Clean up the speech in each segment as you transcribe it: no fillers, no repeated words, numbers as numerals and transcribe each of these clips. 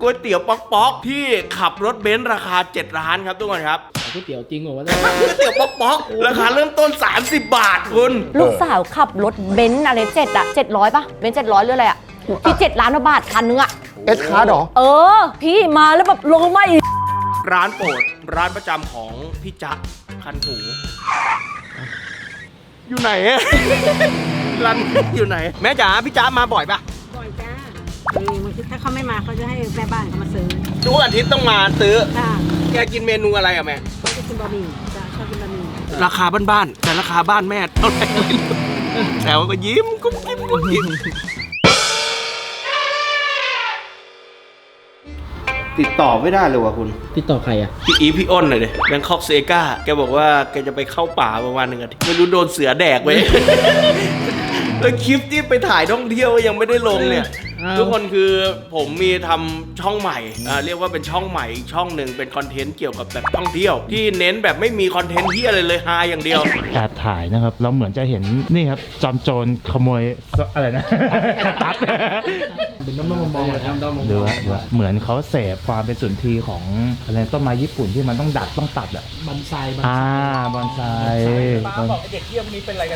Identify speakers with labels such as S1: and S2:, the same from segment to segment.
S1: ก๋วยเตี๋ยวป๊อกที่ขับรถเบนซ์ราคา7ล้านครับทุกคนครับ
S2: ก๋วยเตี๋ยวจริงเหรอวะ
S1: ก๋วยเตี๋ยวป๊อกราคาเริ่มต้น30 บาทคุณ
S3: ลูกสาวขับรถเบนซ์อะไร700ป่ะเบนซ์700หรืออะไรอ่ะที่7ล้านบาทคันนึงอ่ะ
S4: เอสคาร์ดหรอ
S3: พี่มาแล้วแบบลงมาอีก
S1: ร้านโปรดร้านประจำของพี่จ๊ะคันหูอยู่ไหนอะร้านอยู่ไหนแม่จ๋าพี่จ๊ะมาบ่อยปะ
S5: บ่อยจ้าถ้าเขาไม่มาเขาจะให้แม่บ้านเขามาซื้อ
S1: ทุกอาทิตย์ต้องมาซื้อ
S5: ค่ะ
S1: แกกินเมนูอะไรอะแม่
S5: เขาจะกินบะหมี่จ้าชอบกินบะหมี่
S1: ราคาบ้านๆแต่ราคาบ้านแม่เท่าไหร่แต่ว่าก็ยิ้มกุ้มยิ้มติดต่อไม่ได้เลยว่ะคุณ
S2: ติดต่อใครอ่ะ
S1: พี่อ้นหน่อยดิแบงคอกเซกาแกบอกว่าแกจะไปเข้าป่าประมาณ1 อาทิตย์ไม่รู้โดนเสือแดกไว้แล้วคลิปที่ไปถ่ายท่องเที่ยวยังไม่ได้ลงเนี่ยทุกคนคือผมมีทำช่องใหม่เรียกว่าเป็นช่องใหม่อีกช่องหนึ่งเป็นคอนเทนต์เกี่ยวกับแบบท่องเที่ยวที่เน้นแบบไม่มีคอนเทนต์ที่อะไรเลยฮาอย่างเดียว
S6: แอบถ่ายนะครับเราเหมือนจะเห็นนี่ครับจอมโจรขโมยอะไรนะตัด
S2: เป็นน้ำมอง
S6: ดูว่าเหมือนเขาเสพความเป็นสุนทรีย์ของอะไรต้นไม้ญี่ปุ่นที่มันต้องดัดต้องตัดอ่ะ
S2: บอนไซ
S6: บอนไซ
S1: ป้าบอกเด็กเที่ยวนี้เป็นอะไรกัน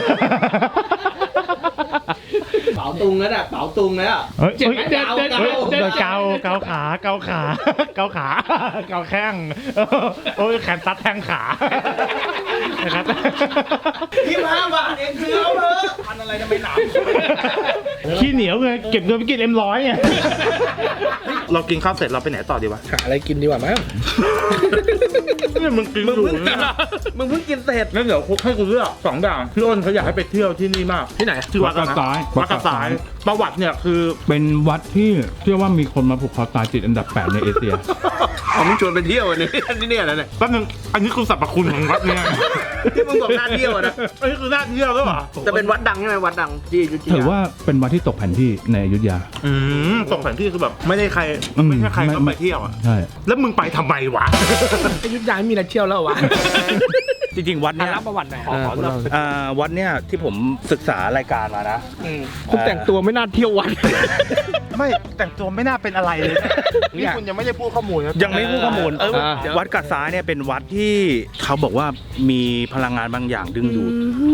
S1: เป๋าตุงแล้วน่ะเป๋าตุงแล้ว
S6: เจ็บไหมเกาขาเกาแข้งโอ้ยแขนตัดแทงขา
S1: นะครับที่5 บาทเองคือเอาเถอะพันอะไรทำไมหนาว
S6: ขี้เหนียวเลยเก็บเงินไปกินM100ไงเรากินข้าวเสร็จเราไปไหนต่อดีวะ
S2: หาอะไรกินดีกว่ามั้ง
S6: เนี่ยมึงกินอยู่
S1: มึงเพิ่งกินเสร็จ
S6: งั้นเดี๋ยวให้กูเลือก2 อย่างพี่อ้นเขาอยากให้ไปเที่ยวที่นี่มาก
S2: ที่ไหน
S6: ที่วัดกระสายประวัติเนี่ยคือ
S7: เป็นวัดที่เชื่อว่ามีคนมาผูกคอตายติดอันดับ8ในเอเชีย
S1: มึงชวนไปเที่ยวนี่เนี่ยนะเนี่ย
S6: แป๊บนึงอันนี้คือสรรพคุณของวัดเนี่ย
S1: ที่มึงบอกน่าเที่ยวนะ
S6: อันนี้คือน่าเที่ยวแล้วเหรอ
S1: จะเป็นวัดดังใช่ไหมวัดดังที่อยุธยา
S7: ถือว่าเป็นวัดที่ตกแผนที่ในอยุธยา
S6: ตกแผนที่คือแบบไม่ได้ใครก็ไปเที่ยวอ่ะ
S7: ใช่
S6: แล้วมึงไปทำไมวะ
S2: อยุธยามีอะไรเที่ยวแล้ววะ
S6: จริงๆวัดเนี่ย
S2: รับประวัติหน่อย
S6: วัดเนี่ยที่ผมศึกษารายการมานะ
S2: คุณแต่งตัวไม่น่าเที่ยววัด
S6: ไม่แต่งตัวไม่น่าเป็นอะไรเลยนี่คุณยังไม่ได้พูดข้อมูลยังไม่พูดข้อมูลวัดกระซ้ายเนี่ยเป็นวัดที่เขาบอกว่ามีพลังงานบางอย่างดึงดูด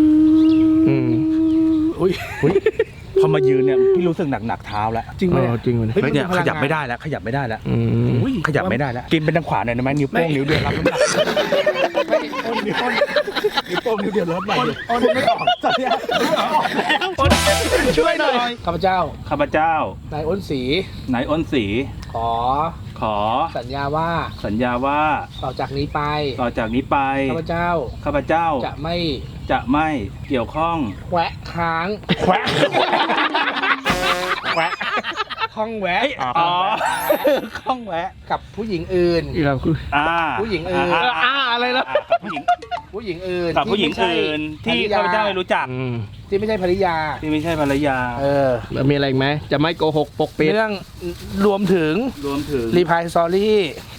S6: พอมายืนเนี่ยพี่รู้สึกหนักเท้าแล้ว
S2: จริงไหม
S6: จริงเลยเนี่ยขยับไม่ได้แล้วขยับไม่ได้แล้วขยับไม่ได้แล้วกินเป็นทางขวาหน่อยได้ไหมนิ้วโป้งนิ้วเดียวรับน้ำหนักนิ้วโป้งนิ้วเดียวรับไปไม่ออกตอนนี้
S2: ช่วยหน่อยข้าพเจ้านายอ้นศรีขอสัญญาว่าต่อจากนี้ไปข้าพเจ้าจะไม่
S6: เกี่ยวข้อง
S2: แควะค้างข้องแวะ
S6: ข้องแวะ
S2: กับผู้หญิงอื่นผู้หญิงอื่น
S6: อะไรล่ะ
S2: ผู้หญิงอื่น
S6: กับผู้หญิงอื่นที่ข้าพเจ้าไม่รู้จัก
S2: ที่ไม่ใช่ภรรยา
S6: มีอะไรไหมจะไม่โกหกปกปิด
S2: เรื่องรวมถึงรีพายสตอรี่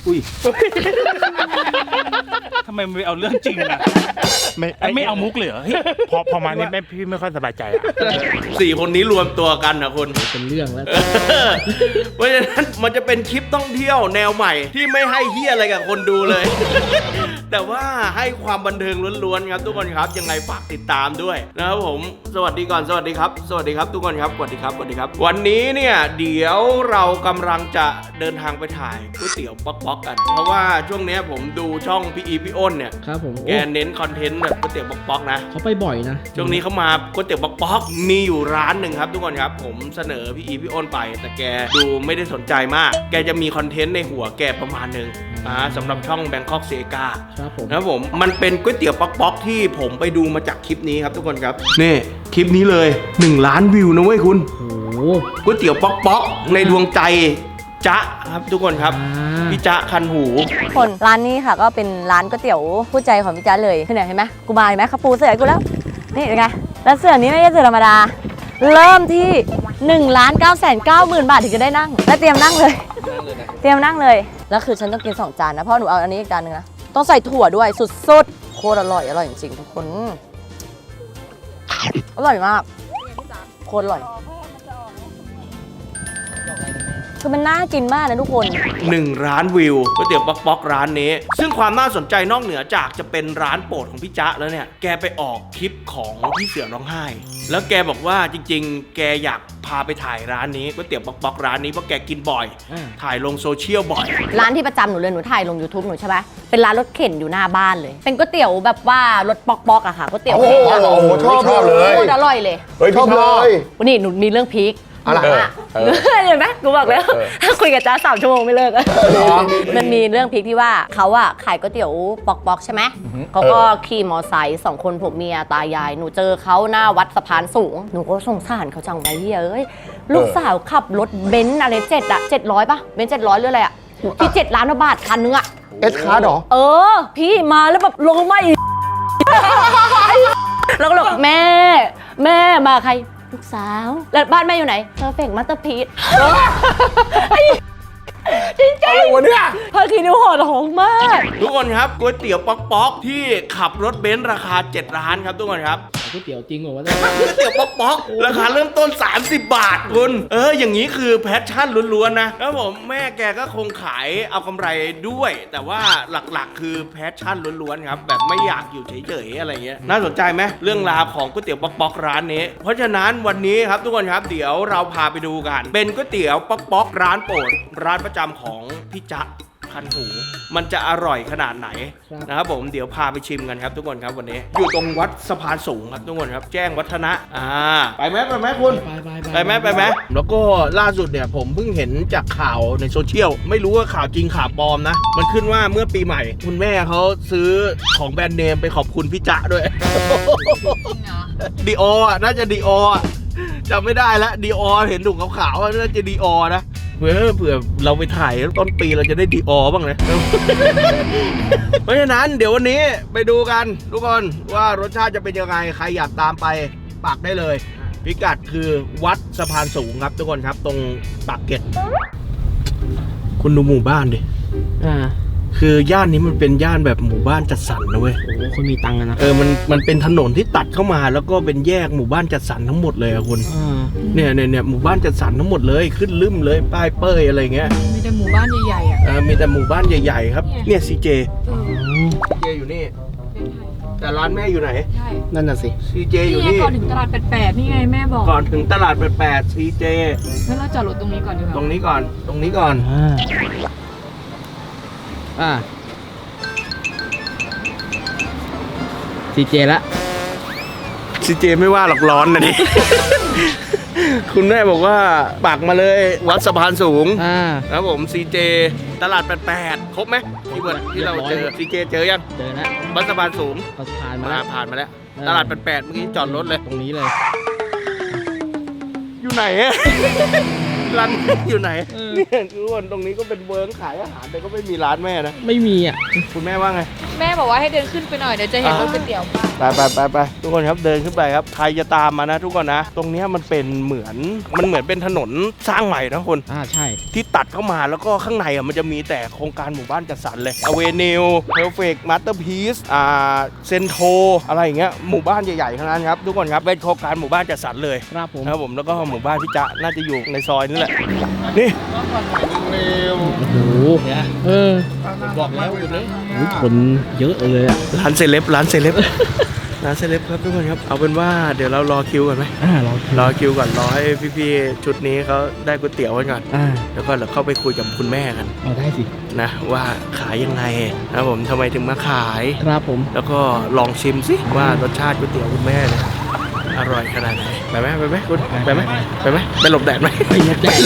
S6: ทำไมไม่เอาเรื่องจริงอ่ะไม่เอามุกเลยเหรอพอมานี่พี่ไม่ค่อยสบายใจ
S1: 4 คนนี้รวมตัวกันนะคุณ
S2: เป็นเรื่องแล้ว
S1: เพราะฉะนั้นมันจะเป็นคลิปท่องเที่ยวแนวใหม่ที่ไม่ให้เฮี้ยอะไรกับคนดูเลยแต่ว่าให้ความบันเทิงล้วนๆครับทุกคนครับยังไงฝากติดตามด้วยนะครับผมสวัสดีก่อนสวัสดีครับทุกคนครับสวัสดีครับวันนี้เนี่ยเดี๋ยวเรากำลังจะเดินทางไปถ่ายก๋วยเตี๋ยวป๊อกกันเพราะว่าช่วงนี้ผมดูช่องพี่อ้นเนี่ย
S2: ครับผม
S1: แกเน้นคอนเทนต์แบบก๋วยเตี๋ยวป๊อกนะ
S2: เขาไปบ่อยนะ
S1: ช่วงนี้เขามาก๋วยเตี๋ยวป๊อกมีอยู่ร้านหนึ่งครับทุกคนครับผมเสนอพี่อ้นไปแต่แกดูไม่ได้สนใจมากแกจะมีคอนเทนต์ในหัวแกประมาณนึงสำหรับช่อง Bangkok Sega นะครับผมมันเป็นก๋วยเตี๋ยวป๊อกที่ผมไปดูมาจากคลิปนี้ครับทุกคนครับนี่คลิปนี้เลย1 ล้านวิวนะเว้ยคุณก๋วยเตี๋ยวป๊อกในดวงใจจ๊ะครับทุกคนครับพี่จ๊ะคันหู
S3: คนร้านนี้ค่ะก็เป็นร้านก๋วยเตี๋ยวผู้ใจของพี่จ๊ะเลยเห็นไหมกูมาเห็นไหมเขาปูเสือกูแล้วนี่เป็นไงแล้วเสือนี้ไม่ใช่เสือธรรมดาเริ่มที่1,990,000 บาทถึงจะได้นั่งและเตรียมนั่งเลยแล้วคือฉันต้องกิน2 จานนะเพราะหนูเอาอันนี้อีกจานนึงนะต้องใส่ถั่วด้วยสุดๆโคตรอร่อยจริงๆทุกคนอร่อยมากโคตรอร่อยคือมันน่ากินมากนะทุกคน
S1: 1 ล้านวิวก๋วยเตี๋ยวป๊อกร้านนี้ซึ่งความน่าสนใจนอกเหนือจากจะเป็นร้านโปรดของพี่จ๊ะแล้วเนี่ยแกไปออกคลิปของพี่เสือร้องไห้แล้วแกบอกว่าจริงๆ แกอยากพาไปถ่ายร้านนี้ก๋วยเตี๋ยวป๊อกร้านนี้เพราะแกกินบ่อยถ่ายลงโซเชียลบ่อย
S3: ร้านที่ประจำหนูเลยหนูถ่ายลง YouTube หนูใช่ไหมเป็นร้านรถเข็นอยู่หน้าบ้านเลย เป็นก๋วยเตี๋ยวแบบว่ารถป๊อกอะค่ะก๋วยเตี๋ยวเข็นอะ
S4: โอ้โหชอบเลย
S3: โคตรอร่อยเลย
S4: เฮ้ยชอบเลย
S3: วันนี้หนูมีเรื่องพีค
S4: อะไร
S3: เห็นไหมกูบอกแล้วถ้าคุยกับจ้า3 ชั่วโมงไม่เลิกมันมีเรื่องพีคที่ว่าเขาอะขายก๋วยเตี๋ยวป๊อกใช่ไหมเขาก็ขี่มอไซค์2 คนผัวเมียตายายหนูเจอเขาหน้าวัดสะพานสูงหนูก็สงสารเขาจังไปเฮ้ยลูกสาวขับรถเบนซ์อะไร700ป่ะเบนซ์700หรืออะไรอะที่7 ล้านบาทคันนึงอะ
S4: เอสคาร์ดหรอ
S3: พี่มาแล้วแบบลงมาอีก แล้วก็บอกแม่มาใครลูกสาวแล้วบ้านแม่อยู่ไหนPerfect Masterpiece จริงๆอะไรวะเนี่ยพาคินิวห่อทองมาก
S1: ทุกคนครับก๋วยเตี๋ยวป๊อกที่ขับรถเบนซ์ราคา7 ล้านครับทุกคนครับ
S2: ก๋วยเตี๋ยวจริงเหรอวะ
S1: ก๋วยเตี๋ยวป๊อกราคาเริ่มต้น30 บาทคุณอย่างนี้คือแพชชั่นล้วนๆนะแล้วผมแม่แกก็คงขายเอากำไรด้วย แต่ว่าหลักๆคือแพชชั่นล้วนๆครับแบบไม่อยากอยู่เฉยๆอะไรเงี้ยน่าสนใจไหมเรื่องราวของก๋วยเตี๋ยวป๊อกร้านนี้เพราะฉะนั้นวันนี้ครับทุกคนครับเดี๋ยวเราพาไปดูกันเป็นก๋วยเตี๋ยวป๊อกร้านโปรดร้านประจำของพี่จ๊ะคันหูมันจะอร่อยขนาดไหนนะครับผมเดี๋ยวพาไปชิมกันครับทุกคนครับวันนี้อยู่ตรงวัดสะพานสูงครับทุกคนครับแจ้งวัฒนะไปไหมคุณไปไหมแล้วก็ล่าสุดเนี่ยผมเพิ่งเห็นจากข่าวในโซเชียลไม่รู้ว่าข่าวจริงข่าวปลอมนะมันขึ้นว่าเมื่อปีใหม่คุณแม่เขาซื้อของแบรนด์เนมไปขอบคุณพี่จ๊ะด้วยดีออ่ะน่าจะดีออ่ะจำไม่ได้แล้วดีอเห็นถุงขาวๆน่าจะดีอนะเผื่อเราไปถ่ายต้นปีเราจะได้ดีอบ้างนะ เพราะฉะนั้นเดี๋ยววันนี้ไปดูกันทุกคนว่ารสชาติจะเป็นยังไงใครอยากตามไปปักได้เลยพิกัดคือวัดสะพานสูงครับทุกคนครับตรงปากเกร็ดคุณดูหมู่บ้านดิคือย่านนี้มันเป็นย่านแบบหมู่บ้านจัดสรรนะเว้ยโอ้คนมีตังค์นะมันเป็นถนนที่ตัดเข้ามาแล้วก็เป็นแยกหมู่บ้านจัดสรรทั้งหมดเลยอะคุณเนี่ยหมู่บ้านจัดสรรทั้งหมดเลยขึ้นลืมเลยป้ายเป้ยอะไรเงี้ย
S5: มีแต่หมู่บ้านใหญ่ๆอ่ะ
S1: มีแต่หมู่บ้านใหญ่ๆครับเนี่ยซีเจอยู่นี่แต่ร้านแม่อยู่ไหนใช่นั่นน่ะสิซีเจอยู่นี่
S5: ก่อนถึงตลาด88นี่ไงแม่บอก
S1: ก่อนถึงตลาด88ซีเจ
S5: งั้นเราจอดรถตรงนี้ก่อนดีกว่า
S1: ตรงนี้ก่อน
S2: ซีเจละ
S1: ซีเจไม่ว่าหรอกร้อนนะดิ คุณแม่บอกว่าปักมาเลยวัดสะพานสูงครับผมซีเจตลาด88ครบไหมที่เราเจอซีเจเจอยัง
S2: เจอแล้ว
S1: วัดสะพานสูง
S2: ผ่านมา
S1: แล้วตลาด88เมื่อกี้จอดรถเลย
S2: ตรงนี้เลย
S1: อยู่ไหนอะ ร้านอยู่ไหนเนี่ยทุกคนตรงนี้ก็เป็นเวิร์กขายอาหารแต่ก็ไม่มีร้านแม่นะ
S2: ไม่มีอ่ะ
S1: คุณแม่ว่าไง
S5: แม่บอกว่าให้เดินขึ้นไปหน่อยเดี๋ยวจะเห็นรถก๋วยเตี๋ยว
S1: ไปทุกคนครับเดินขึ้นไปครับใครจะตามมานะทุกคนนะตรงนี้มันเหมือนเป็นถนนสร้างใหม่นะคุณ
S2: ใช่
S1: ที่ตัดเข้ามาแล้วก็ข้างในมันจะมีแต่โครงการหมู่บ้านจัดสรรเลยอเวนิวเพลเฟกมาสเตอร์พีซเซนโทอะไรอย่างเงี้ยหมู่บ้านใหญ่ๆทั้งนั้นครับทุกคนครับเป็นโครงการหมู่บ้านจัดสรรเลย
S2: ครับ
S1: ผมแล้วก็หมู่บ้านที่จะน่าจะอยู่ในซอยนี่แหละนี่
S2: โอ้โห
S1: บอกแล้วอยู่เลย
S2: คนเยอะเลยอ่ะ
S1: ร้านเซเลบครับทุกคนครับเอาเป็นว่าเดี๋ยวเรารอคิวก่อนไหมรอคิวก่อนรอให้พี่ๆชุดนี้เขาได้ก๋วยเตี๋ยวกันก่อนแล้วก็เราเข้าไปคุยกับคุณแม่กัน
S2: ได้สิ
S1: นะว่าขายยังไงนะผมทำไมถึงมาขาย
S2: ครับผม
S1: แล้วก็ลองชิมสิว่ารสชาติก๋วยเตี๋ยวคุณแม่เนี่ยอร่อยขนาดไหนไปไหมคุณไปไหมไปหลบแดดไหม
S2: ไปหลบแดด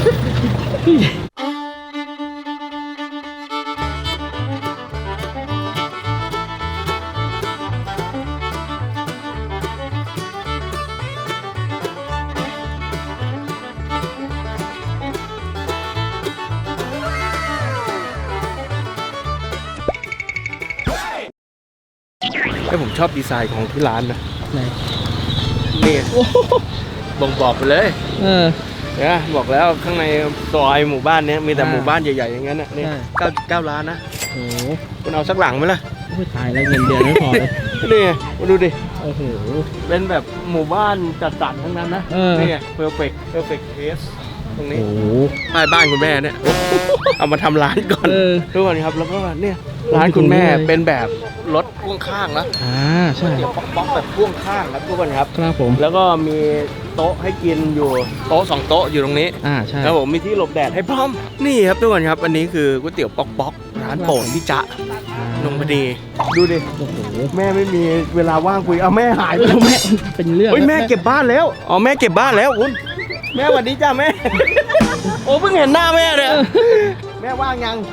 S1: ผมชอบดีไซน์ของที่ร้านนะนี่บ่งบอกไปเลยเนี่ยบอกแล้วข้างในซอยหมู่บ้านนี้มีแต่หมู่บ้านใหญ่ๆอย่างนั้นนะนี่9ล้านนะ
S2: โอ้
S1: คุณเอาสักหลังไหมล่ะ
S2: ตายแล้วเงินเดือนไม่พอเลย
S1: นี่มาดูดิ
S2: โอ้โห
S1: เป็นแบบหมู่บ้านจัดสรรทั้งนั้นนะนี่ perfect taste ตรงนี้
S6: โอ้โห
S1: ใต้บ้านคุณแม่เนี่ย เอามาทำร้านก่อน
S6: เออ
S1: ทุกคนครับแล้วก็เนี่ยร้านคุณแม่เป็นแบบรถพ่วงข้างนะ
S6: ใช่
S1: เดี๋ยวป๊อกๆแบบพ่วงข้างครับทุกคนครับ
S6: ครับผม
S1: แล้วก็มีโต๊ะให้กินอยู่โต๊ะ2โต๊ะอยู่ตรงนี้
S6: ใช่
S1: แล้วผมมีที่หลบแดดให้พร้อมนี่ครับทุกคนครับอันนี้คือก๋วยเตี๋ยวป๊อกๆร้านโปรดพี่จ๊ะนงพดีดูดิ
S6: โอ้โห
S1: แม่ไม่มีเวลาว่างคุยเอาแม่หายไปแล้ว
S6: แม่เป็นเรื่อง
S1: เฮ้ยแม่เก็บบ้านแล้วอ๋อแม่เก็บบ้านแล้วคุณแม่สวัสดีจ้าแม่ โอ้เพิ่งเห็นหน้าแม่เลยแม่ว่างยัง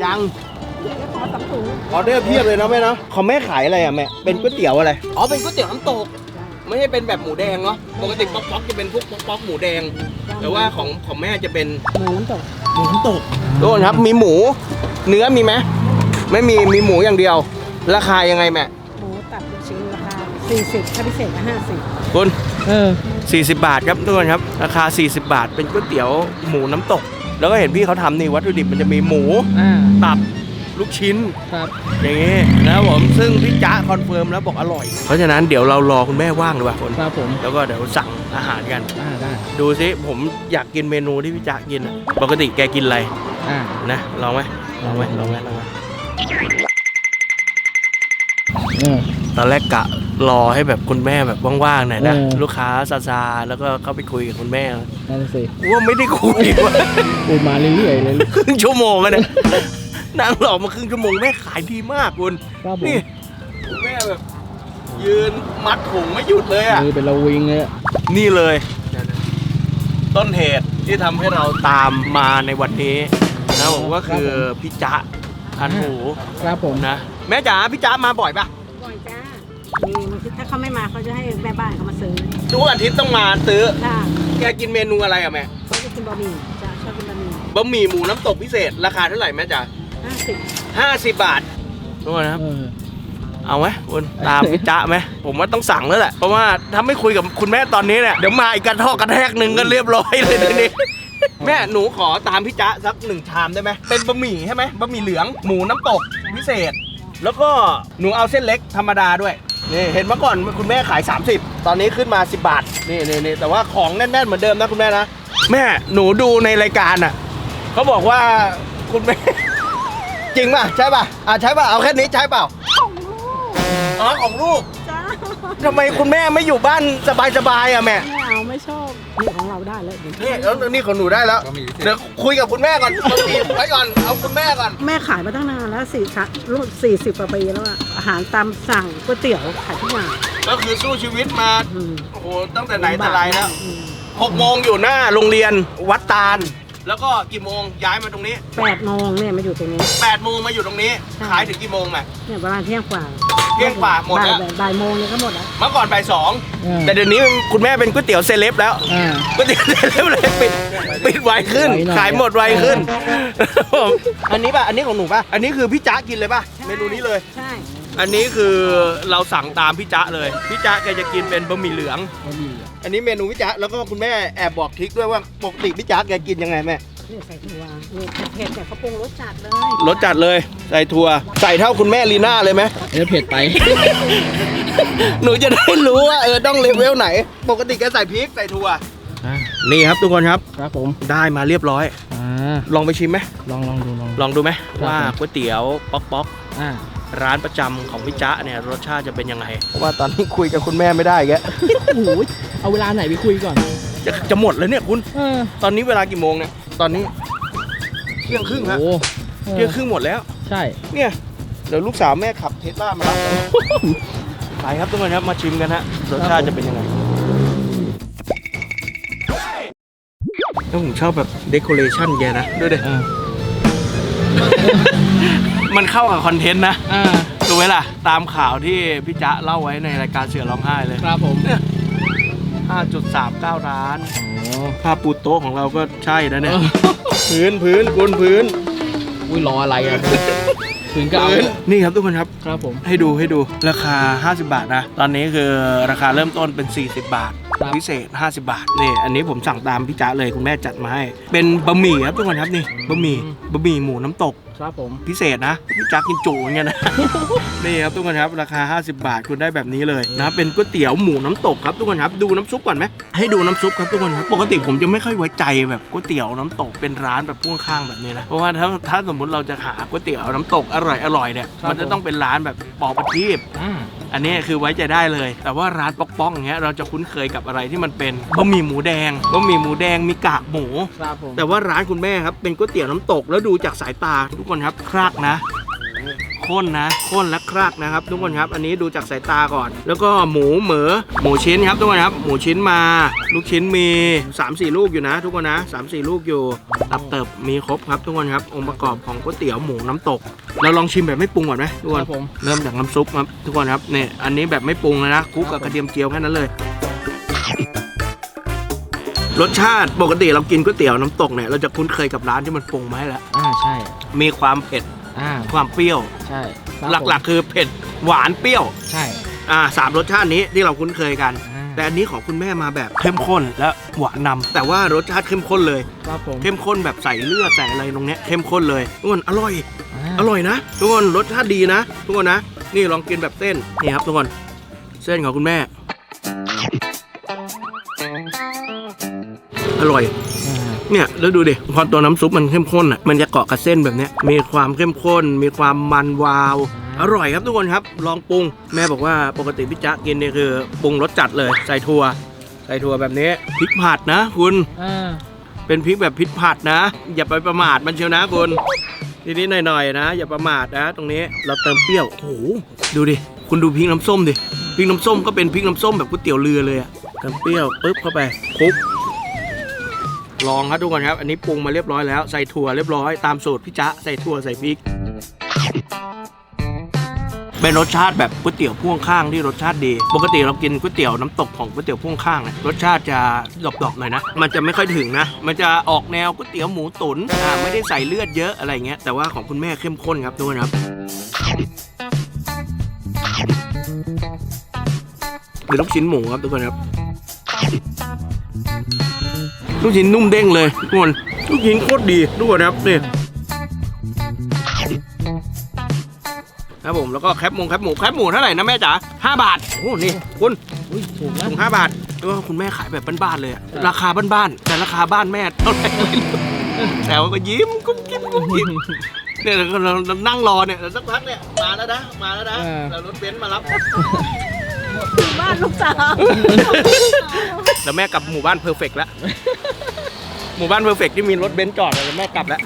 S1: ออเดอร์เพียบเลยนะแม่เนาะของแม่ขายอะไรอ่ะแม่เป็นก๋วยเตี๋ยวอะไรอ๋อเป็นก๋วยเตี๋ยวน้ำตกไม่ใช่เป็นแบบหมูแดงเนาะปกติป๊อกๆจะเป็นพวกป๊อกๆหมูแดงแต่ว่าของแม่จะเป็น
S5: หมูน้ำตก
S1: หมูน้ำตกทุกคนครับมีหมูเนื้อมีไหมไม่มีหมูอย่างเดียว ราคายังไงแม่
S5: หมูตับลูกชิ้นราคา40ถ้าพิเศษก็50
S1: คุณ
S6: 40
S1: 40 บาทครับทุกคนครับราคา40 บาทเป็นก๋วยเตี๋ยวหมูน้ำตก แล้วก็เห็นพี่เขาทำนี่วัตถุดิบมันจะมีหมูตับลูกชิ้น
S6: ครับ
S1: อย่างงี้นะครับผมซึ่งพี่จ๊ะคอนเฟิร์มแล้วบอกอร่อย เพราะฉะนั้นเดี๋ยวเรารอคุณแม่ว่างดีกว่าคน
S6: ครับผม
S1: แล้วก็เดี๋ยวสั่งอาหารกัน
S6: ได้
S1: ดูซิผมอยากกินเมนูที่พี่จ๊ะกินอะปกติแกกินอะไร นะลองไหมลองไหมตอนแรกกะรอให้แบบคุณแม่แบบว่างๆหน่อยนะลูกค้าซาๆแล้วก็เข้าไปคุยกับคุณแม่
S6: นั่นสิ
S1: ว่าไม่ได้คุยว่ะ
S6: อูมาเรื่อยๆเลย
S1: ครึ่งชั่วโมงอะเนี่ยนั่งรอมาครึ่งชั่วโมงแม่ขายดีมากคุณ
S6: ครับผม
S1: นี่คุณแม่แบบ ยืนมัดถุงไม่หยุดเลยอ่ะ
S6: มือเป็นระวิงเลยอะ
S1: นี่เลย ต้นเหตุที่ทำให้เราตามมาในวันนี้นะผมก็คือพี่จ๊ะทันหู
S6: ครับผม
S1: นะแม่จ๋าพี่จ๊ะมาบ่อยปะ
S5: บ่อยจ้ามีบางทีถ้าเขาไม่มาเขาจะให้แม่บ้านเขามาซื้อ
S1: ทุกอาทิตย์ต้องมาซื้อ
S5: ค่ะ
S1: แกกินเมนูอะไรอ่ะแม่
S5: เขาจะกินบะหมี่จ้าชอบกินบะหมี่
S1: บะหมี่หมูน้ำตกพิเศษราคาเท่าไหร่แม่จ๋า
S5: 50
S1: 50 บาททุกคนนะครับ
S6: เออ
S1: เอาไหมคุณตามพี่จ๊ะไหมผมว่าต้องสั่งแล้วแหละเพราะว่าถ้าไม่คุยกับคุณแม่ตอนนี้เนี่ยเดี๋ยวมาอีกกระทอกกระแทกหนึ่งก็เรียบร้อยเลยทีนี้ แม่หนูขอตามพี่จ๊ะสัก1 ชามได้ไหมเป็นบะหมี่ใช่ไหมบะหมี่เหลืองหมูน้ำตกพิเศษ แล้วก็หนูเอาเส้นเล็กธรรมดาด้วยนี่เห็นเมื่อก่อนคุณแม่ขาย30ตอนนี้ขึ้นมา10 บาทนี่แต่ว่าของแน่นๆเหมือนเดิมนะคุณแม่นะแม่หนูดูในรายการอ่ะเขาบอกว่าคุณแม่ จริงป่ะใช่ป่ะใช่ป่ะเอาแค่นี้ใช่เปล่าอ๋อของลูก
S5: จ้า
S1: ทำไมคุณแม่ไม่อยู่บ้านสบายๆอ่ะแม่
S5: ไม่เอาไม่ชอบนี่ของเราได้เลยเดี๋ยว
S1: นี่แล้วนี่ของหนูได้แล้วเดี๋ยวคุยกับคุณแม่ก่อนบะหมี่ไว้ก่อนเอาคุณแม่ก่อน
S5: แม่ขายมาตั้งนานแล้วรุ่น40 กว่าปีแล้วอะอาหารตามสั่งก๋วยเตี๋ยวขายทุกอย่าง
S1: ก็คือสู้ชีวิตมา
S5: อืม
S1: โอ้โหตั้งแต่ไหนแต่ไรแล้ว
S5: อืม
S1: 6 โมงอยู่หน้าโรงเรียนวัดตาล แล้วก็กี่โมงย้ายมาตรงนี้
S5: 8 โมงเนี่ยมาอยู่ตรงนี้
S1: 8 โมงมาอยู่ตรงนี้
S5: ใช่
S1: ขายถึงกี่โมงแม่
S5: เนี่ยประมาณเที่ยงกว่า
S1: เที่ยงกว่าหมดแล้ว
S5: บ่ายโมงเนี่ยก็หมดแล้ว
S1: เมื่อก่อนบ่าย2แต่เดี๋ยวนี้คุณแม่เป็นก๋วยเตี๋ยวเซเลบแล้วก๋วยเตี๋ยวเซเลบเลยปิดไวขึ้น
S6: ไวหน่อย
S1: ขายหมดไวขึ้นผมอันนี้ป่ะอันนี้ของหนูป่ะอันนี้คือพี่จ๊ะกินเลยป่ะเมนูนี้เลย
S5: ใช่
S1: อันนี้คือเราสั่งตามพี่จ๊ะเลยพี่จ๊ะแกจะกินเป็นบะหมี่เหลือง อันนี้เมนูพี่จ๊ะแล้วก็คุณแม่แอบบอกทริคด้วยว่าปกติพี่จ๊ะแกกินยังไงแม่
S5: นี่ใส่ถั่วนี่เผ็ดเนี่ยเขาปรุงรสจัดเลย
S1: รสจัดเลยใส่ถั่วใส่เท่าคุณแม่ลีน่าเลยไหม
S6: เออเผ็ดไป
S1: หนูจะได้รู้ว่าต้องเลเวลไหน ปกติแกใส่พริกใส่ถั่วนี่ครับทุกคนครับ
S6: ครับผม
S1: ได้มาเรียบร้อย ลองไปชิมไหม
S6: ลองดู
S1: ลองดูไหม
S6: ครับ
S1: ว่าก๋วยเตี๋ยวป๊อก
S6: อ่า
S1: ร้านประจำของพี่จ๊ะเนี่ยรสชาติจะเป็นยังไงเพราะว่าตอนนี้คุยกับคุณแม่ไม่ได้แก
S6: โอ้โหเอาเวลาไหนไปคุยก่อน
S1: จะหมดแล้วเนี่ยคุณ
S6: อ
S1: ตอนนี้เวลากี่โมงเนี่ยตอนนี้เที่ยงครึ่งฮะ
S6: โอ้
S1: เที่ยงครึ่งหมดแล้ว
S6: ใช่
S1: เนี่ยเดี๋ยวลูกสาวแม่ขับเทสลามารับไปครับทุกคนครับมาชิมกันฮะรสชาติจะเป็นยังไงแล้วผมชอบแบบเดคอเรชั่นแกนะด้วยเด็ มันเข้ากับคอนเทนต์นะดูไหมล่ะตามข่าวที่พี่จ๊ะเล่าไว้ในรายการเสือร้องไห้เลย
S6: ครับผม
S1: 5.39 ล้าน
S6: โอ้
S1: ผ้าปูโต๊ะของเราก็ใช่นะเนี่ย พื้นคุณพื้น
S6: อุ้ยรออะไรอ่ะถึงก็เอา
S1: นี่ครับทุกคนครับ
S6: ครับผม
S1: ให้ดูราคา50 บาทนะตอนนี้คือราคาเริ่มต้นเป็น40 บาท
S6: ครับ
S1: พิเศษ50 บาทนี่อันนี้ผมสั่งตามพี่จ๊ะเลยคุณแม่จัดมาให้เป็นบะหมี่ครับทุกคนครับนี่บะหมี่หมูน้ำตก
S2: ครับผม
S1: พิเศษนะพี่จักกินจุเหมือนกันนะ นี่ครับทุกคนครับราคา50 บาทคุณได้แบบนี้เลยนะเป็นก๋วยเตี๋ยวหมูน้ำตกครับทุกคนครับดูน้ำซุปก่อนไหมให้ดูน้ำซุปครับทุกคนครับปกติผมจะไม่ค่อยไว้ใจแบบก๋วยเตี๋ยวน้ำตกเป็นร้านแบบพ่วงข้างแบบนี้นะเพราะว่าถ้าสมมติเราจะหาก๋วยเตี๋ยวน้ำตกอร่อยเนี่ยมันจะต้องเป็นร้านแบบปอประทีปอันนี้คือไว้ใจได้เลยแต่ว่าร้านป๊อกๆอย่างเงี้ยเราจะคุ้นเคยกับอะไรที่มันเป็นบะหมี่หมูแดงมีกากหมู
S2: ครับผม
S1: แต่ว่าร้านคุณแม่ครับเป็นก๋วยเตี๋ยวน้ำตกแล้วดูจากสายตาทุกคนครับครากนะข้นและครากนะครับทุกคนครับอันนี้ดูจากสายตาก่อน แล้วก็หมูชิ้นครับทุกคนครับหมูชิ้นมาลูกชิ้นมี 3-4 ลูกอยู่นะ ทุกคนนะ 3-4 ลูกอยู่ตับเติบมีครบครับทุกคนครับองค์ประกอบของก๋วยเตี๋ยวหมูน้ำตกเราลองชิมแบบไม่ปรุงก่อนไหมทุกคนเริ่มจากน้ำซุปครับทุกคนครับเนี่ยอันนี้แบบไม่ปรุงเลยนะคลุกกับกระเทียมเจียวแค่นั้นเลยรสชาติปกติเรากินก๋วยเตี๋ยวน้ำตกเนี่ยเราจะคุ้นเคยกับร้านที่มันปรุงมาให้แล้ว
S2: ใช่
S1: มีความเผ็ด ความเปรี้ยว
S2: ใช่
S1: หลักๆคือเผ็ดหวานเปรี้ยว
S2: ใช่
S1: 3 รสชาตินี้ที่เราคุ้นเคยกัน แต่อันนี้ของคุณแม่มาแบบเข้มข้นและหวานนำแต่ว่ารสชาติเข้มข้นเลย
S2: ครับผม
S1: เข้มข้นแบบใส่เลือดใส่อะไรตรงเนี้ยเข้มข้นเลยทุกคนอร่อยนะทุกคนรสชาติดีนะทุกคนนะนี่ลองกินแบบเส้นนี่ครับทุกคนเส้นของคุณแม่อร่อยเนี่ยแล้วดูดิพอตัวน้ำซุปมันเข้มข้นอ่ะมันจะเกาะกับเส้นแบบเนี้ยมีความเข้มข้นมีความมันวาวอร่อยครับทุกคนครับลองปรุงแม่บอกว่าปกติพี่จ๊ะกินเนี่ยคือปรุงรสจัดเลยใส่ถั่วแบบนี้พริกผัดนะคุณเป็นพริกแบบพริกผัดนะอย่าไปประมาทมันเชียวนะคุณนิดๆหน่อยๆนะอย่าประมาทนะตรงนี้เราเติมเปรี้ยวโอ้โหดูดิคุณดูพริกน้ำส้มดิพริกน้ำส้มก็เป็นพริกน้ำส้มแบบก๋วยเตี๋ยวเรือเลยอะเติมเปรี้ยวปึ๊บเข้าไปคลุกลองครับทุกคนครับอันนี้ปรุงมาเรียบร้อยแล้วใส่ถั่วเรียบร้อยตามสูตรพี่จ๊ะใส่ถั่วใส่พริกเป็นรสชาติแบบก๋วยเตี๋ยวพ่วงข้างที่รสชาติดีปกติเรากินก๋วยเตี๋ยวน้ำตกของก๋วยเตี๋ยวพ่วงข้างเนี่ยรสชาติจะดอกๆหน่อยนะมันจะไม่ค่อยถึงนะมันจะออกแนวก๋วยเตี๋ยวหมูตุ๋นไม่ได้ใส่เลือดเยอะอะไรเงี้ยแต่ว่าของคุณแม่เข้มข้นครับทุกคนครับเป็นลูกชิ้นหมูครับทุกคนครับลูกชิ้นนุ่มเด้งเลยทุกคนลูกชิ้นโคตรดีทุกคนครับนี่ครับผมแล้วก็แคบหมูเท่าไหร่นะแม่จ๋า5 บาทโอ้นี่คุณถูกนะ5 บาทแล้วก็คุณแม่ขายแบบบ้านๆเลยราคาบ้านๆแต่ราคาบ้านแม่เท่าไหร่แต่ว่าก็ยิ้มกุ๊บกิ๊บเนี่ยเรานั่งรอเนี่ยสักพักเนี่ยมาแล้วนะแล้วรถเบนซ์มารับ
S5: บ้านลูกสาว
S1: แล้วแม่กลับหมู่บ้านเพอร์เฟกต์แล้วหมู่บ้านเพอร์เฟกต์ที่มีรถเบนซ์จอดแล้วแม่กลับแล้ว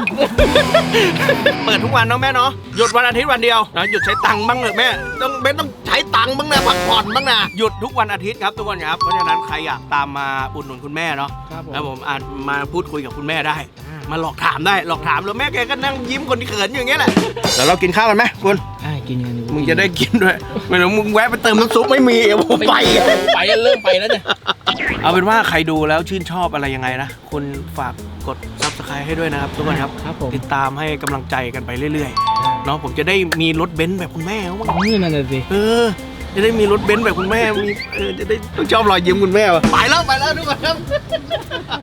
S1: เปิดทุกวันเนาะแม่เนาะหยุดวันอาทิตย์วันเดียวนะหยุดใช้ตังค์บ้างเลยแม่ต้องใช้ตังค์บ้างนะพักผ่อนบ้างนะหยุดทุกวันอาทิตย์ครับทุกคนครับเพราะฉะนั้นใครอยากตามมาอุดหนุนคุณแม่เนาะครับผมอาจมาพูดคุยกับคุณแม่ได้มาหลอกถามแล้วแม่แกก็นั่งยิ้มคนที่เขินอย่างเงี้ยแหละเดี๋ยวเรากินข้าวกันไหมคุณ
S2: กินกัน
S1: มึงจะได้กินด้วยไม่ต้องมึงแวะไปเติมน้ำซุปไม่มีผมไป
S2: เริ่มไปแล้วเนี่ย
S1: เอาเป็นว่าใครดูแล้วชื่นชอบอะไรยังไงนะคุณฝากกด Subscribe ให้ด้วยนะครับทุกคนครับติดตามให้กำลังใจกันไปเรื่อยๆเนาะผมจะได้มีรถเบนซ์แบบคุณแม่บ้าง
S2: นี่นั่นสิ
S1: จะได้มีรถเบนซ์แบบคุณแม่มีจะได้ต้องชอบรอยยิ้มคุณแม่ไปแล้วทุกคนครับ